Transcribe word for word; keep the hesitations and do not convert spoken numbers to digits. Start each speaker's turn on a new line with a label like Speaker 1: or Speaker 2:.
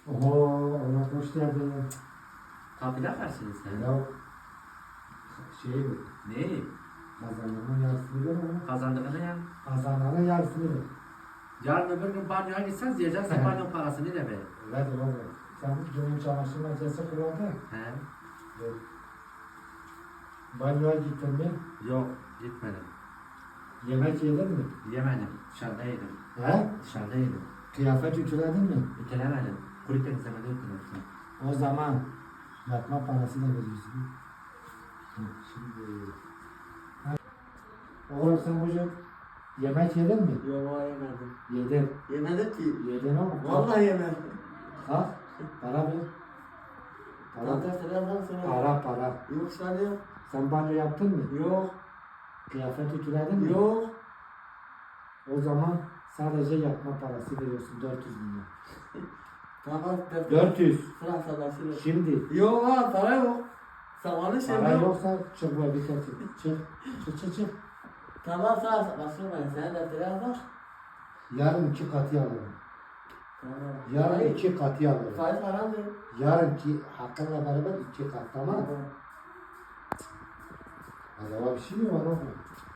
Speaker 1: Oho, ona hoş geldin.
Speaker 2: Kapıda kaçsınız sen?
Speaker 1: Ya şey mi?
Speaker 2: Ne?
Speaker 1: Kazananın yarısını ver ama.
Speaker 2: Kazandığını ya.
Speaker 1: Kazananın yarısını ver.
Speaker 2: Yarın öbür gün banyoya gitsen diyeceksin banyo parasını da ver.
Speaker 1: Öyledir oğlum. Sen günün çamaşır makinesi kullandın.
Speaker 2: He?
Speaker 1: Yok. Banyoya gittin mi?
Speaker 2: Yok gitmedim.
Speaker 1: Yemek yedin mi?
Speaker 2: Yemedim. Dışarıda yedim.
Speaker 1: He?
Speaker 2: Dışarıda yedim.
Speaker 1: Kıyafet ütüledin mi?
Speaker 2: Ütülemedim. Kuru temizlemede ütüledim.
Speaker 1: O zaman yatma parası da veriyorsun. Hı, Şimdi... Ha. Oğlum sen bugün yemek yedin mi?
Speaker 3: Yok yemedim.
Speaker 1: Yedin.
Speaker 3: Yemedim ki.
Speaker 1: Yedin oğlum.
Speaker 3: Vallahi yemedim.
Speaker 1: Kalk. Para ver. Para
Speaker 3: Tamam
Speaker 1: ver.
Speaker 3: selam sana.
Speaker 1: Para para.
Speaker 3: Yok sana yok.
Speaker 1: Sen banyo yaptın mı?
Speaker 3: Yok.
Speaker 1: Kıyafet ütüledin mi?
Speaker 3: Yok.
Speaker 1: O zaman sadece yatma parası veriyorsun dört yüz bin lira.
Speaker 3: Tamam.
Speaker 1: dört yüz.
Speaker 3: Sıra sadaşıyla.
Speaker 1: Şimdi.
Speaker 3: Yok ha para yok. Zamanı şey
Speaker 1: Para
Speaker 3: yok.
Speaker 1: yoksa çık bu evi getir. Çık. Çık çık çık.
Speaker 3: Tamam sıra sadaşıyla ben sana defteri yazar.
Speaker 1: Yarın iki katı alırım.
Speaker 3: Tamam.
Speaker 1: Yarın
Speaker 3: Faiz-
Speaker 1: iki katı alırım.
Speaker 3: Faiz haramdır.
Speaker 1: Yarınki hakkınla beraber iki kat tamam mı?
Speaker 3: Tamam.
Speaker 1: Acaba bir şey mi var oğlum?